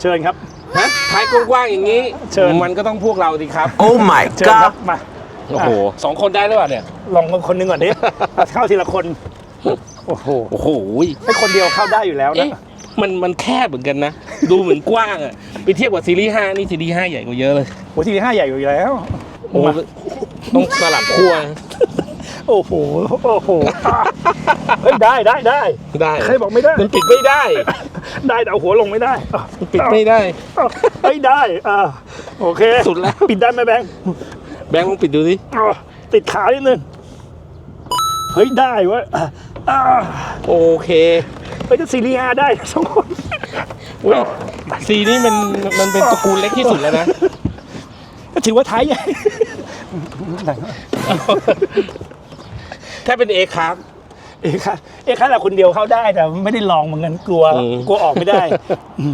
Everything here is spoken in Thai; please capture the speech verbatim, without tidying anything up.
เชิญครับฮะท้ายกว้างๆอย่างนี้เชิญมันก็ต้องพวกเราดิครับ Oh my เชิญครับ god มาโอ้โหสองคนได้หรือเปล่าเนี่ยลองคนหนึงก่อนดิ เข้าทีละคน โอ้โหโอ้โหให้คนเดียวเข้าได้อยู่แล้วนะเอ๊ะมันมันแคบเหมือนกันนะ ดูเหมือนกว้างอ่ะไปเทียบกับซีรีส์ห้านี่ซีรีส์ห้าใหญ่กว่าเยอะเลยโอ้ทีห้าใหญ่อยู่แล้วโอ้ต้องสลับขั้วโอ้โหโอ้โหอ่ะเฮ้ยได้ได้ได้ได้ใครบอกไม่ได้มันปิดไม่ได้ได้แต่เอาหัวลงไม่ได้อ่ะมันปิดไม่ได้อ่ะเฮ้ยได้อ่าโอเคสุดแล้วปิดได้ไหมแบงค์แบงค์ลองปิดดูสิอ่ะติดขานิดนึงเฮ้ยได้เวะอ่ะอ่ะโอเคเฮ้ยจะซีรีส์ห้าได้สองคนอุ๊ยซีนี่มันมันเป็นตระกูลเล็กที่สุดแล้วนะก็ถือว่าท้ายใหญ่ถ้าเป็นเอครับเอ้ค่ะเอ้ค่ะเราคนเดียวเข้าได้แต่ไม่ได้ลองเหมือนกันกลัวอืมกลัวออกไม่ได้